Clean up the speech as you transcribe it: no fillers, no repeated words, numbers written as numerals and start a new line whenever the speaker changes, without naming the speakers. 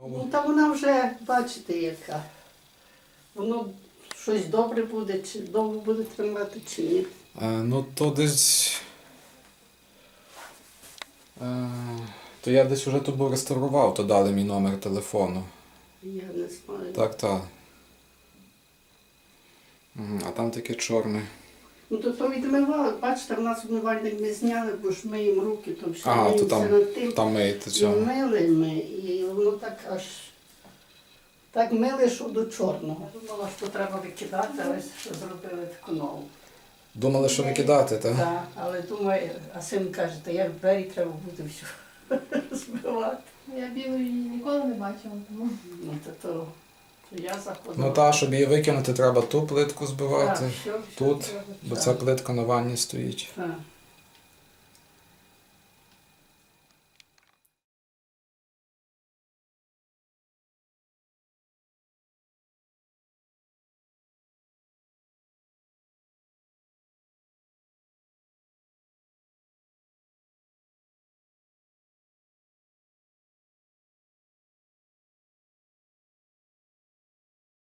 Ну, та вона вже, бачите, яка. Воно щось добре буде, чи довго буде тримати, чи ні.
Ну, то десь... То я десь вже тут був реставрував, то дали мій номер телефону.
Я не знаю.
Так, так. А там таке чорне.
Ну, то відмивали, бачите, в нас вмивальник ми зняли, бо ж миємо руки, то все
Ага, то
миємося над тим.
там миєте
І
цього.
мили ми, і воно так аж так мили, що до чорного. Я думала, що треба викидати, ось що зробили таку нову.
Думали, що викидати, так?
Так, але думаю, а син каже, та як двері треба буде все збивати.
Я білої ніколи не бачила, тому
Ну, то я заходила.
Ну та, щоб її викинути, треба ту плитку збивати,
Так, все
тут,
треба.
бо
Так,
ця плитка на ванні стоїть.
так.